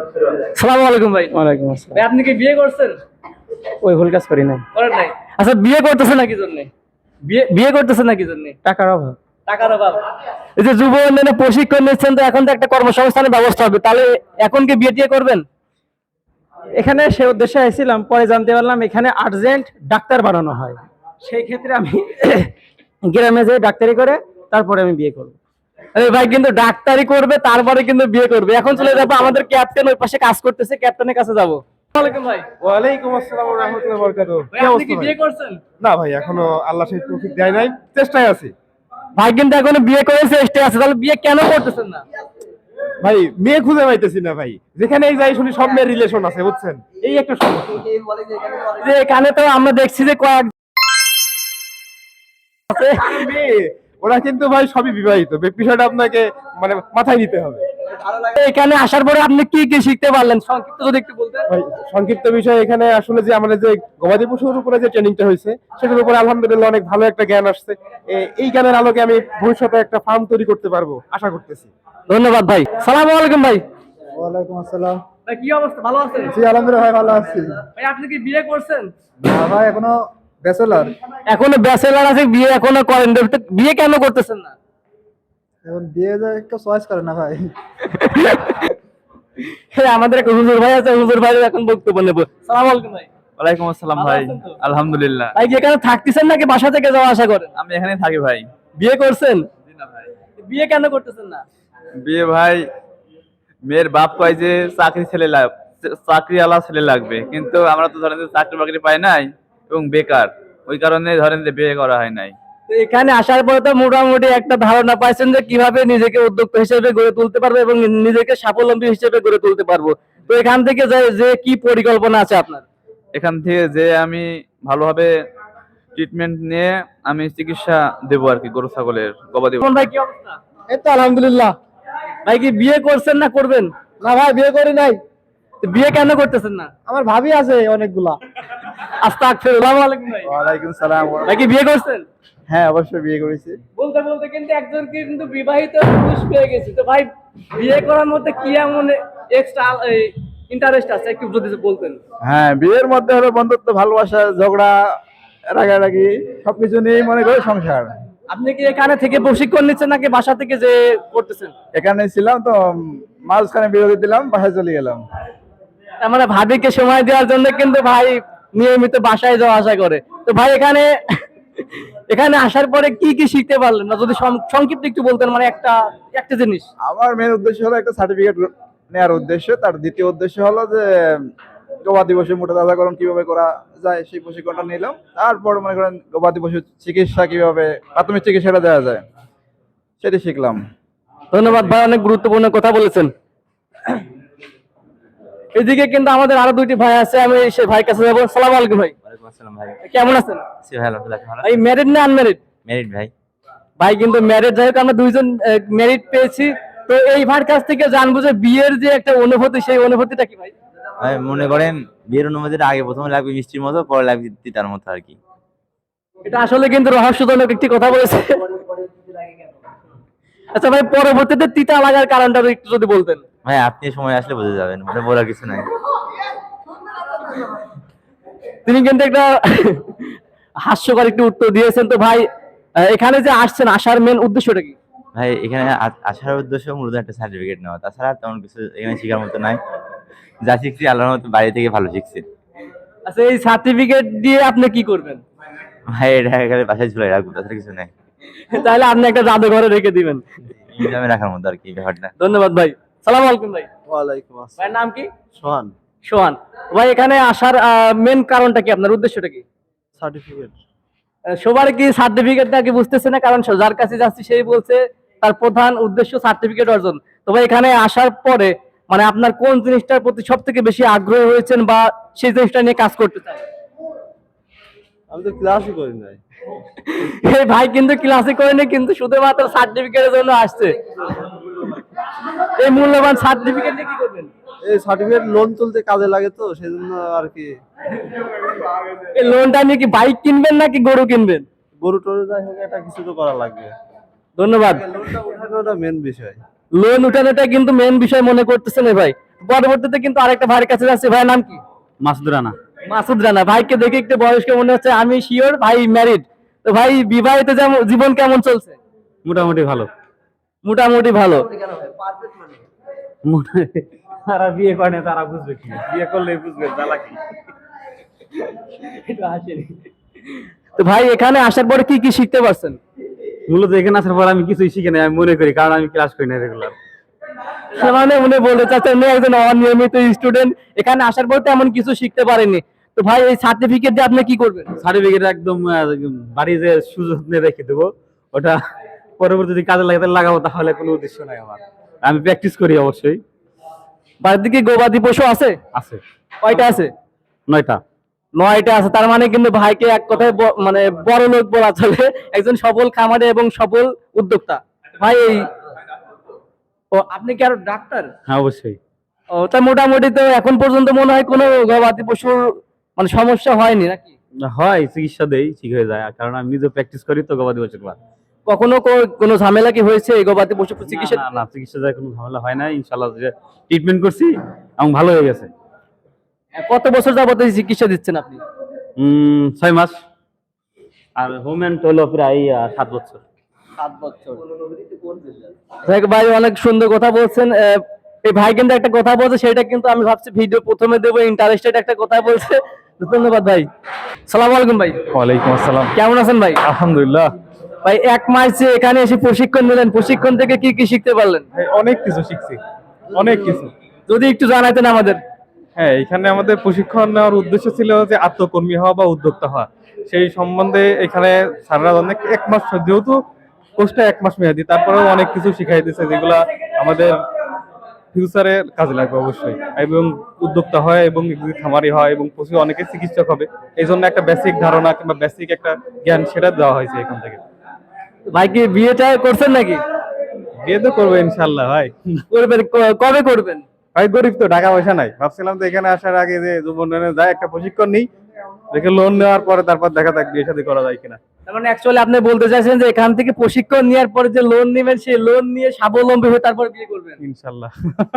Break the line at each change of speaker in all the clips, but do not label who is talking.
সালামু আলাইকুম ভাই।
ওয়ালাইকুম আসসালাম।
ভাই আপনি কি বিয়ে করছেন?
ওই ভুল কাজ করি নাই।
করেন নাই? আচ্ছা বিয়ে করতেছেন নাকি জন্য? বিয়ে করতেছেন নাকি জন্য?
টাকার অভাব।
টাকার অভাব। এই যে যুব উন্নয়নে প্রশিক্ষণ নিচ্ছেন, তো এখন তো একটা কর্মসংস্থানের ব্যবস্থা হবে, তাহলে এখন কি বিয়ে টিয়ে করবেন?
এখানে সে উদ্দেশ্যে আসছিলাম, পরে জানতে পারলাম এখানে আর্জেন্ট ডাক্তার বানানো হয়। সেই ক্ষেত্রে আমি গ্রামে যেয়ে ডাক্তারি করে তারপরে আমি বিয়ে করব।
আরে ভাই কিন্তু ডাক্তারি করবে তারপরে কিন্তু বিয়ে করবে। এখন চলে যাবো আমাদের ক্যাপ্টেন ওই পাশে কাজ করতেছে, ক্যাপ্টেনের কাছে যাবো। আসসালামু আলাইকুম ভাই।
ওয়ালাইকুম আসসালাম ওয়া রাহমাতুল্লাহি ওয়া বারাকাতুহু।
ভাই আপনি কি বিয়ে করছেন?
না ভাই, এখনো আল্লাহ সেই তৌফিক দেয় নাই, চেষ্টায় আছি।
ভাই কিন্তু এখনো বিয়ে করে চেষ্টা আছে, তাহলে বিয়ে কেন করতেছেন না?
ভাই মেয়ে খুঁজে পাইতেছি না ভাই, যেখানেই যাই শুনি সব মেয়ের রিলেশন আছে, বুঝছেন, এই একটা সমস্যা।
যে এখানে তো আমরা দেখছি যে কয়েক
মেয়ে ওরা কিন্তু ভাই সবই বিবাহিত, বিষয়টা আপনাকে মানে মাথায় নিতে হবে।
এখানে আসার পরে আপনি কি কি শিখতে পারলেন সংক্ষিপ্ত যদি একটু বলতেন।
ভাই সংক্ষিপ্ত বিষয়, এখানে আসলে যে আমাদের যে গবাদি পশুর উপরে যে ট্রেনিংটা হয়েছে সেটার উপরে আলহামদুলিল্লাহ অনেক ভালো একটা জ্ঞান আসছে। এই জ্ঞানের আলোকে আমি ভবিষ্যতে একটা ফার্ম তৈরি করতে পারবো আশা করতেছি।
ধন্যবাদ ভাই। সালামু আলাইকুম ভাই।
ওয়ালাইকুম আসসালাম।
ভাই কি অবস্থা, ভালো আছেন?
জি আলহামদুলিল্লাহ ভাই, ভালো আছি।
ভাই আপনি কি বিয়ে করছেন?
না ভাই, এখনো ব্যাচেলর।
এখনো ব্যাচেলর আছে, বিয়ে এখনো করেন না, তো বিয়ে কেন করতেছেন না?
এখন বিয়ে যায় একটু চয়েস করে না ভাই।
হ্যাঁ, আমাদের এক হুজুর ভাই আছে, হুজুর ভাই এখন বক্তব্য নেব। সালামু আলাইকুম ভাই।
ওয়ালাইকুম আসসালাম
ভালো
ভাই।
আছেন তো?
আলহামদুলিল্লাহ।
ভাই কি এখানে থাকতেছেন নাকি বাসা থেকে যাওয়া আসা করেন?
আমি এখানেই থাকি ভাই।
বিয়ে করছেন?
জি না ভাই।
বিয়ে কেন করতেছেন না?
বিয়ে ভাই, মেয়ের বাপ কয় যে চাকরিওয়ালা ছেলে লাগবে, কিন্তু আমরা তো ধরেন যে চাকরি বাকরি পাই নাই এবং বেকার, ওই কারণে ধরেন যে বিয়ে করা হয় নাই।
তো এখানে আসার পরে তো মোটামুটি একটা ধারণা পাইছেন যে কিভাবে নিজেকে উদ্যোক্তা হিসেবে গড়ে তুলতে পারবো এবং নিজেকে স্বাবলম্বী হিসেবে গড়ে তুলতে পারবো। তো এখান থেকে যে কি পরিকল্পনা আছে আপনার?
এখান থেকে যে আমি ভালোভাবে ট্রিটমেন্ট নিয়ে আমি চিকিৎসা দেবো আর কি, গরু ছাগলের, গবাদি
কোন ভাই কি অবস্থা?
এই তো আলহামদুলিল্লাহ।
ভাই কি বিয়ে করছেন না করবেন?
না ভাই, বিয়ে করি নাই।
তো বিয়ে কেন করতেছেন না?
আমার ভাবি আছে অনেকগুলা।
আস্তাগফিরুল্লাহ। আসসালামু আলাইকুম ভাই।
ওয়ালাইকুম সালাম।
ভাই কি বিয়ে করছেন?
হ্যাঁ অবশ্যই বিয়ে করেছি।
বলতে বলতে কিন্তু একজন কিন্তু বিবাহিত পুরুষ পেয়ে গেছি। তো ভাই বিয়ে করার মধ্যে কি এমন এক্সট্রা ইন্টারেস্ট আছে, একটু যদি বলতেন।
হ্যাঁ, বিয়ের মধ্যে হলো বন্ধুত্ব, ভালোবাসা, ঝগড়া, রাগারাগি সবকিছু নিয়েই মনে করে সংসার।
আপনি কি এখানে থেকে প্রশিক্ষণ নিচ্ছেন নাকি বাসা থেকে যে করতেছেন?
এখানে ছিলাম তো, মাঝখানে বিরতি দিলাম, বাসায় চলে গেলাম।
আমরা ভাবিকে সময় দেওয়ার জন্য কিন্তু ভাই নিয়মিত বাসায় যাওয়া আসা করে। তো ভাই এখানে এখানে আসার পরে কি কি শিখতে পারলেন না, যদি সংক্ষিপ্ত একটু বলতেন, মানে একটা একটা জিনিস।
আমার মেন উদ্দেশ্য হলো একটা সার্টিফিকেট নেওয়ার উদ্দেশ্য। তার দ্বিতীয় উদ্দেশ্য হলো যে গবাদি পশু মোটা তাজাকরণ কিভাবে করা যায় সেই প্রশিক্ষণটা নিলাম। তারপর মনে করেন গবাদি পশু চিকিৎসা কিভাবে, প্রাথমিক চিকিৎসাটা দেওয়া যায় সেটা শিখলাম।
ধন্যবাদ ভাই, অনেক গুরুত্বপূর্ণ কথা বলেছেন। এদিকে কিন্তু আমাদের আরো দুইটি ভাই আছে, আমি সেই ভাই কাছে যাবো। সালাম আলাইকুম ভাই।
ওয়ালাইকুম আসসালাম ভাই।
কেমন আছেন?
জি ভাই, আলহামদুলিল্লাহ ভালো।
ভাই ম্যারিড না আনম্যারিড?
মেরিট ভাই।
ভাই কিন্তু ম্যারিড, যাই হোক আমরা দুইজন ম্যারিড পেয়েছি। তো এই ভাইয়ের কাছ থেকে জানবো যে বিয়ের যে একটা অনুভূতি, সেই অনুভূতিটা কি ভাই?
ভাই মনে করেন বিয়ের অনুমতিটা আগে প্রথমে লাগবে মিষ্টির মতো, পরে লাগবে তিতার মতো আর কি।
এটা আসলে কিন্তু রহস্যজনক একটি কথা বলেছে। আচ্ছা ভাই, পরবর্তীতে তিতা লাগার কারণটা একটু যদি বলতেন।
ভাই আপনি সময় আসলে বুঝে যাবেন, মানে বলার কিছু নাই।
তিনি কিন্তু একটা হাস্যকর একটি উত্তর দিয়েছেন। তো ভাই এখানে যে আসছেন, আসার মেন উদ্দেশ্যটা কি?
ভাই এখানে আসার উদ্দেশ্য মূলত একটা সার্টিফিকেট নেওয়া, তাছাড়া তেমন কিছু এখানে শেখার মতো নাই। যা শিখছি আল্লাহর মতো বাড়ি থেকে ভালো শিখছি।
আচ্ছা, এই সার্টিফিকেট দিয়ে আপনি কি করবেন?
ভাই এটা এখানে বাসায় ঝুলাই রাখবো, তাছাড়া কিছু নাই।
তাহলে আপনি একটা জাদুঘরে রেখে দিবেন।
মিউজিয়ামে রাখার মতো আর কি ব্যাপারটা।
ধন্যবাদ ভাই। সালাম আলাইকুম ভাই।
ওয়ালাইকুম আসসালাম।
ভাইয়ের নাম কি?
সোহান।
সোহান। ভাই এখানে আসার মেন কারণটা কি, আপনার উদ্দেশ্যটা কি?
সার্টিফিকেট।
সবার কি সার্টিফিকেটটা কি বুঝতেছে না, কারণ যার কাছে যাচ্ছি সেই বলছে তার প্রধান উদ্দেশ্য সার্টিফিকেট অর্জন। তো ভাই এখানে আসার পরে মানে আপনার কোন জিনিসটার প্রতি সব থেকে বেশি আগ্রহী হয়েছেন বা সেই জিনিসটা নিয়ে কাজ করতে চান?
আমি তো ক্লাসই করি নাই।
এই ভাই কিন্তু ক্লাসে করেনি, কিন্তু শুধুমাত্র সার্টিফিকেটের জন্য আসছে। এই মূল্যবান সার্টিফিকেট নিয়ে কি করবেন?
এই সার্টিফিকেট লোন তুলতে কাজে লাগে, তো সেজন্য আর কি।
এই লোনটা নিয়ে কি বাইক কিনবেন নাকি গরু কিনবেন?
গরু টরু যাই হোক, একটা কিছু তো করা লাগবে।
ধন্যবাদ।
লোনটা ওঠানোটা মেন বিষয়।
লোন উঠানোটা কিন্তু মেন বিষয় মনে করতেছেন এই ভাই। পরবর্তীতে কিন্তু আরেকটা ভাইয়ের কাছে যাচ্ছে, ভাইয়ের নাম কি?
মাসুদ রানা।
মাসুদ রানা। ভাইকে দেখে একটু বয়স্ক মনে হচ্ছে, আমি শিওর ভাই ম্যারিড। তো ভাই বিবাহিত জীবন কেমন চলছে?
মোটামুটি ভালো।
মোটামুটি ভালো।
তারা বিয়ে করে না, তারা বুঝবে কি, বিয়ে করলে বুঝবে জ্বালা কি।
তো ভাই এখানে আসার পরে কি কি শিখতে পারছেন?
মূলত এখানে আসার পর আমি কিছুই শিখি নাই, আমি মনে করি, কারণ আমি ক্লাস করি না রেগুলার।
মানে উনি বলতে চাচ্ছেন উনি একজন অনিয়মিত স্টুডেন্ট, এখানে আসার পর তেমন কিছু শিখতে পারেনি। তো ভাই এই সার্টিফিকেট দিয়ে আপনি কি করবেন?
সার্টিফিকেট একদম বাড়ি যে সুযত্নে রেখে দেবো, ওটা পরবর্তী যদি কাজে লাগাবো, তাহলে কোনো উদ্দেশ্য নাই আমার। আমি প্র্যাকটিস করি অবশ্যই।
বাড়ির দিকে গবাদি পশু আছে?
আছে।
কয়টা আছে?
9টা।
9টা আছে। তার মানে কিন্তু ভাইকে এক কথায় মানে বড় লোক বলা চলে, একজন সফল খামারে এবং সফল উদ্যোক্তা। ভাই এই আপনি কি আরো ডাক্তার?
হ্যাঁ অবশ্যই।
ও তা মোটামুটি তো এখন পর্যন্ত মনে হয় কোনো গবাদি পশুর মানে সমস্যা হয়নি নাকি?
হয়, চিকিৎসা দেই, ঠিক হয়ে যায়, কারণ আমি নিজে প্র্যাকটিস করি তো গবাদি পশুর।
কখনো কোনো ঝামেলা কি হয়েছে এই গবাদি পশু চিকিৎসা?
না, চিকিৎসা দেয় কোনো ঝামেলা হয় না, ইনশাআল্লাহ। যে ট্রিটমেন্ট করছি এবং ভালো হয়ে গেছে।
কত বছর যাবত এই চিকিৎসা দিচ্ছেন আপনি?
6 মাস। আর হোমেন্ট হলো প্রায় 7 বছর।
7 বছর। ভাই অনেক সুন্দর কথা বলছেন। এই ভাই কিন্তু একটা কথা বলছে, সেটা কিন্তু আমি ভাবছি ভিডিও প্রথমে দেবো, ইন্টারেস্টেড একটা কথা বলছে। ধন্যবাদ ভাই। সালাম আলাইকুম ভাই।
ওয়ালাইকুম আসসালাম।
কেমন আছেন ভাই?
আলহামদুলিল্লাহ।
ভাই 1 মাস যে এখানে এসে প্রশিক্ষণ নিলেন, প্রশিক্ষণ থেকে কি কি শিখতে পারলেন?
অনেক কিছু শিখছি, অনেক কিছু।
যদি একটু জানাতেন আমাদের।
হ্যাঁ, এখানে আমাদের প্রশিক্ষণ নেওয়ার উদ্দেশ্য ছিল যে আত্মকর্মী হওয়া বা উদ্যোক্তা হওয়া। সেই সম্বন্ধে এখানে স্যাররা অনেক 1 মাস, যেহেতু কোর্সটা 1 মাস মেয়াদি, তারপরেও অনেক কিছু শিখাই দিয়েছে যেগুলা আমাদের ফিউচারে কাজে লাগবে অবশ্যই। এবং উদ্যোক্তা হয় এবং খামারি হয় এবং পশু অনেকে চিকিৎসক হবে, এই জন্য একটা বেসিক ধারণা কিংবা বেসিক একটা জ্ঞান সেটা দেওয়া হয়েছে এখান থেকে।
ভাই কি বিয়েটা করছেন নাকি?
বিয়ে তো করবো ইনশাল্লাহ ভাই।
করবেন? কবে করবেন?
ভাই গরিব তো, টাকা পয়সা নাই। ভাবছিলাম তো এখানে আসার আগে যে যুবনে যায় একটা প্রশিক্ষণ নিই, দেখে লোন নেওয়ার পরে তারপর দেখা যাক বিয়ে শাদী করা যায় কিনা।
তার মানে অ্যাকচুয়ালি আপনি বলতে চাইছেন যে এখান থেকে প্রশিক্ষণ নেওয়ার পরে যে লোন নেবেন, সেই লোন নিয়ে স্বাবলম্বী হয়ে তারপর বিয়ে করবেন।
ইনশাল্লাহ।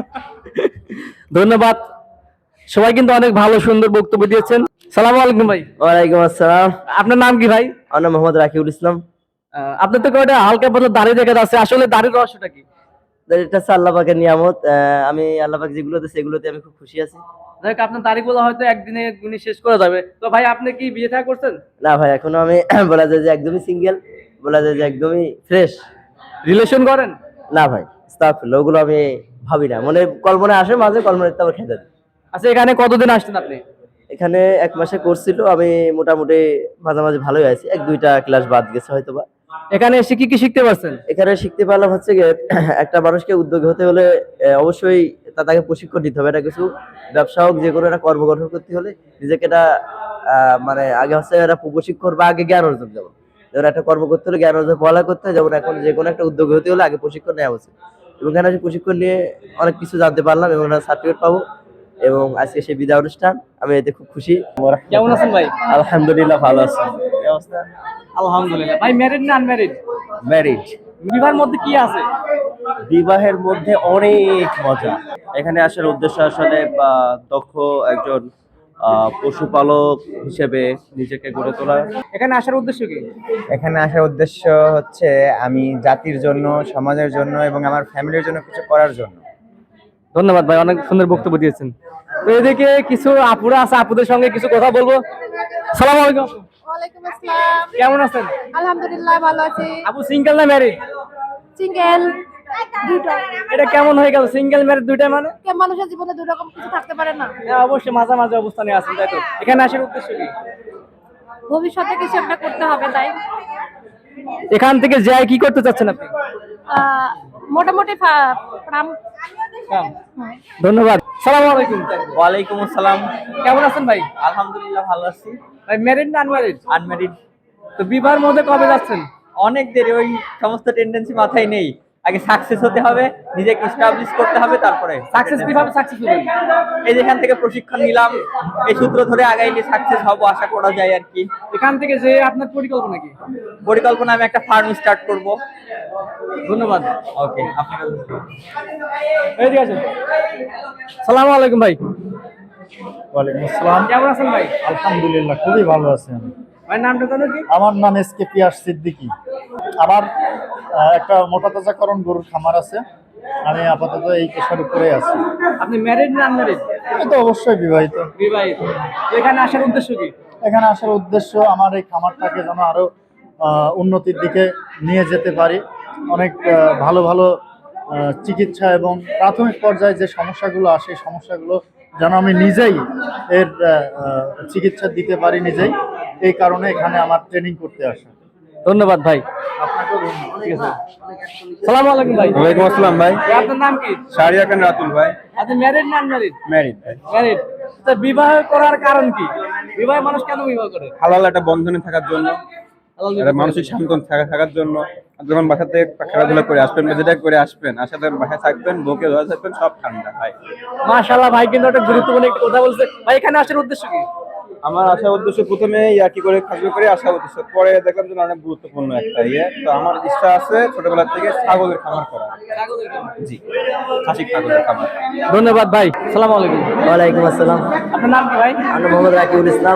ধন্যবাদ। সবাই কিন্তু অনেক ভালো সুন্দর বক্তব্য দিয়েছেন। সালাম আলাইকুম ভাই।
ওয়ালাইকুম আসসালাম।
আপনার নাম কি ভাই?
আমার নাম মোহাম্মদ রাকিবুল ইসলাম।
আপনার তো কয়টা হালকা পাতলা দাড়ি দেখা যাচ্ছে, আসলে দাড়ির রহস্যটা কি?
এটা হচ্ছে আল্লাহ পাকের নিয়ামত। আমি আল্লাহ পাক যেগুলো দিয়েছে এগুলোতে আমি খুব খুশি আছি।
দেখ আপনার দাড়িগুলো হয়তো একদিনে গুনি শেষ করা যাবে। তো ভাই আপনি কি বিয়ে থা করছেন?
না ভাই, এখনো আমি বলা যায় যে একদমই সিঙ্গেল, বলা যায় যে একদমই ফ্রেশ।
রিলেশন করেন?
না ভাই, আস্তাগফিরুল্লাহ, ওগুলো আমি ভাবি না। মনে কল্পনা আসে মাঝে, কল্পনাতে আবার খেতে দিই।
আচ্ছা এখানে কতদিন আসছেন আপনি?
এখানে 1 মাসে কোর্স ছিল, আমি মোটামুটি মাঝামাঝি ভালোই আছি, 1-2টা ক্লাস বাদ গেছে হয়তোবা।
এখানে এসে কি কি শিখতে পারছেন?
এখানে শিখতে পারলাম হচ্ছে গিয়ে একটা মানুষকে উদ্যোগী হতে হলে অবশ্যই তাকে প্রশিক্ষণ দিতে হবে। এটা কিছু ব্যবসা হোক, যে কোনো একটা কর্ম গঠন করতে হলে নিজেকে এটা মানে আগে হচ্ছে একটা প্রশিক্ষণ বা আগে জ্ঞান অর্জন। যেমন একটা কর্ম করতে হলে জ্ঞান অর্জন পড়ালেখা করতে হয়, যেমন এখন যে কোনো একটা উদ্যোগী হতে হলে আগে প্রশিক্ষণ নেওয়া উচিত। এবং এখানে প্রশিক্ষণ নিয়ে অনেক কিছু জানতে পারলাম এবং সার্টিফিকেট পাবো। এবং আজকে সেই বিদায় অনুষ্ঠান, আমি এতে খুব খুশি।
কেমন আছেন ভাই?
আলহামদুলিল্লাহ, ভালো আছি। কি অবস্থা?
আলহামদুলিল্লাহ। ভাই ম্যারিড না আনম্যারিড?
ম্যারিড।
বিবাহের মধ্যে কি আছে?
বিবাহের মধ্যে অনেক মজা। এখানে আসার উদ্দেশ্য আসলে দক্ষ একজন পশুপালক হিসেবে নিজেকে গড়ে তোলা।
এখানে আসার উদ্দেশ্য কি?
এখানে আসার উদ্দেশ্য হচ্ছে আমি জাতির জন্য, সমাজের জন্য এবং আমার ফ্যামিলির জন্য কিছু করার জন্য।
ধন্যবাদ ভাই, অনেক সুন্দর বক্তব্য দিয়েছেন। তো এদিকে কিছু আপুরা আছে, আপুদের সঙ্গে কিছু কথা বলবো। সালাম আলাইকুম।
ওয়ালাইকুম আসসালাম।
কেমন আছেন?
আলহামদুলিল্লাহ ভালো আছি।
আপু সিঙ্গেল না ম্যারিড?
সিঙ্গেল দুটো।
এটা কেমন হয়ে গেল সিঙ্গেল ম্যারিড দুইটা মানে?
মানুষের জীবনে দুই রকম কিছু থাকতে পারে না।
হ্যাঁ অবশ্যই মাঝামাঝি অবস্থানে আছেন, তাই তো? এখানে আসার উদ্দেশ্য কি?
ভবিষ্যতে কিছু একটা করতে হবে তাই।
এখান থেকে যাই কি করতে চাচ্ছেন আপনি?
মোটামুটি ফার্ম।
ধন্যবাদ। সালাম আলাইকুম।
ওয়ালাইকুম আসসালাম।
কেমন আছেন ভাই?
আলহামদুলিল্লাহ, ভালো আছি।
ভাই ম্যারিড না আনম্যারিড?
আনম্যারিড।
তো বিবাহের মধ্যে কবে যাচ্ছেন?
অনেক দেরি, ওই সমস্ত টেন্ডেন্সি মাথায় নেই।
আগে সাকসেস হতে হবে, নিজেকে এস্টাবলিশ করতে হবে, তারপরে
সাকসেস কিভাবে সাকসেস হবেন?
এই যেখান থেকে প্রশিক্ষণ নিলাম, এই সূত্র ধরে আগাইলে সাকসেস হবো আশা করা যায় আর কি।
এখান থেকে যে আপনার পরিকল্পনা কি?
পরিকল্পনা আমি একটা ফার্ম স্টার্ট করব।
ধন্যবাদ।
ওকে, আপনাকে
এইদিকে আসেন। সালামু আলাইকুম ভাই,
ওয়ালাইকুম আসসালাম।
কেমন আছেন ভাই?
আলহামদুলিল্লাহ, খুবই ভালো আছি আমি।
ভাই নামটা জানো কি?
আমার নাম এসকে পিয়াস সিদ্দিকী। আমার একটা মোটা তাজাকরণ গরুর খামার আছে। আমি আপাতত এই পেশার উপরে আছি।
আপনি ম্যারিড না আনম্যারিড?
আমি তো অবশ্যই বিবাহিত।
বিবাহিত। তো এখানে আসার উদ্দেশ্য কি?
এখানে আসার উদ্দেশ্য আমার এই খামারটাকে যেন আরো উন্নতির দিকে নিয়ে যেতে পারি। অনেক ভালো ভালো চিকিৎসা এবং প্রাথমিক পর্যায়ে যে সমস্যাগুলো আসে এই সমস্যাগুলো যেন আমি নিজেই এর চিকিৎসা দিতে পারি নিজেই। এই কারণে এখানে আমার ট্রেনিং করতে আসা।
ধন্যবাদ ভাই।
আপনাকেও ধন্যবাদ।
ঠিক আছে। সালামু আলাইকুম ভাই।
ওয়ালাইকুম আসসালাম ভাই।
ভাই, আপনার নাম কি?
শাহরিয়ার খান রাতুল ভাই।
আপনি ম্যারিড না আনম্যারিড?
ম্যারিড।
ম্যারিড। তো বিবাহ করার কারণ কি? বিবাহ মানুষ কেন বিবাহ করে?
হালাল একটা বন্ধনে থাকার জন্য, একটা মানসিক শান্তন থাকার জন্য। যখন বাসা থেকে খেলাধুলা করে আসবেন বা যেটা করে আসবেন, আসাতে বাসায় থাকবেন, বউকে ধরে থাকবেন, সব ঠান্ডা ভাই।
মাশাআল্লাহ ভাই, কিন্তু একটা গুরুত্বপূর্ণ একটা কথা বলছে ভাই। এখানে আসার উদ্দেশ্য কি?
আমার আসার উদ্দেশ্য প্রথমে ইয়াকি করে খাসবে করে আসার উদ্দেশ্য, পরে দেখলাম যে অনেক গুরুত্বপূর্ণ একটা ইয়ে। তো আমার ইচ্ছা আছে ছোটবেলা থেকে ছাগলের খামার করা। জি, খাসি ছাগলের খামার।
ধন্যবাদ ভাই। সালামু আলাইকুম।
ওয়ালাইকুম আসসালাম।
আপনার নাম কি ভাই?
আমি মোহাম্মদ রাকিবুল ইসলাম।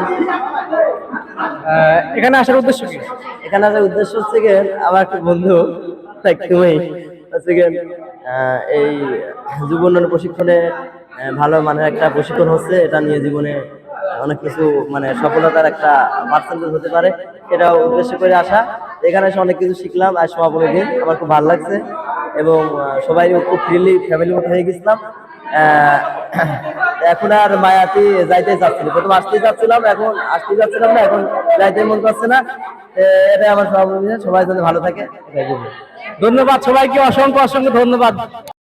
এখানে আসার উদ্দেশ্য কি?
এখানে আসার উদ্দেশ্য হচ্ছে গিয়ে আমার একটা বন্ধু তুমি হচ্ছে গিয়ে এই যুব উন্নয়ন প্রশিক্ষণে ভালো মানের একটা প্রশিক্ষণ হচ্ছে, এটা নিয়ে জীবনে অনেক কিছু মানে সফলতার একটা পার্সেন্টেজ হতে পারে, এটা উদ্দেশ্য করে আসা। এখানে এসে অনেক কিছু শিখলাম। আর সমাপনী দিন আমার খুব ভালো লাগছে এবং সবাই খুব ফ্রিলি ফ্যামিলির মতো হয়ে গেছিলাম। এখন আর মায়াতি যাইতে চাচ্ছিল, প্রথম আসতেই চাচ্ছিলাম, এখন আসতে চাচ্ছিলাম না, এখন যাইতে মন করছে না। এটাই আমার সমাপনী দিন। সবাই যেন ভালো থাকে।
ধন্যবাদ সবাইকে, অসংখ্য অসংখ্য ধন্যবাদ।